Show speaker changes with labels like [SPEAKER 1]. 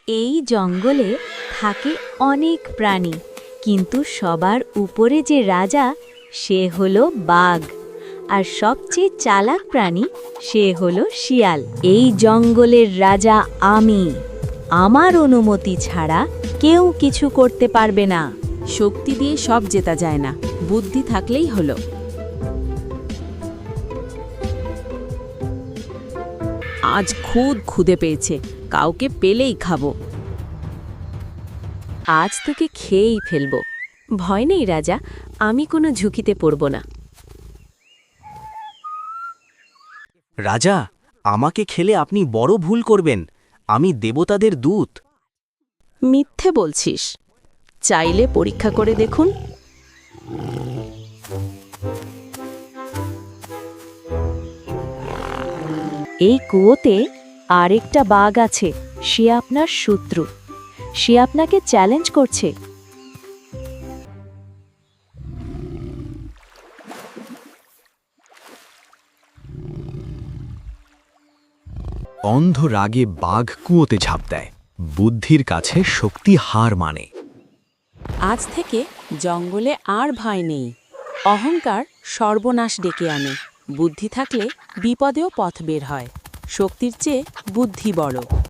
[SPEAKER 1] এই জঙ্গলে থাকে অনেক প্রাণী, কিন্তু সবার উপরে যে রাজা সে হলো বাঘ। আর সবচেয়ে চালাক প্রাণী সে হলো শিয়াল। এই জঙ্গলের রাজা আমি। আমার অনুমতি ছাড়া কেউ কিছু করতে পারবে না।
[SPEAKER 2] শক্তি দিয়ে সব জেতা যায় না, বুদ্ধি থাকলেই হলো। আজ খুব ক্ষুধে পেয়েছে, কাউকে পেলেই খাবো।
[SPEAKER 1] আজ তোকে খেয়েই ফেলবো। ভয় নেই রাজা, আমি কোনো ঝুঁকিতে পড়ব না।
[SPEAKER 3] রাজা, আমাকে খেলে আপনি বড় ভুল করবেন। আমি দেবতাদের দূত।
[SPEAKER 2] মিথ্যে বলছিস? চাইলে পরীক্ষা করে দেখুন।
[SPEAKER 1] এই কুয়োতে আরেকটা বাঘ আছে, সে আপনার শত্রু। সে আপনাকে চ্যালেঞ্জ করছে।
[SPEAKER 4] অন্ধ রাগে বাঘ কুয়োতে ঝাঁপ দেয়। বুদ্ধির কাছে শক্তি হার মানে।
[SPEAKER 2] আজ থেকে জঙ্গলে আর ভয় নেই। অহংকার সর্বনাশ ডেকে আনে। বুদ্ধি থাকলে বিপদেও পথ বের হয়। শক্তির চেয়ে বুদ্ধি বড়।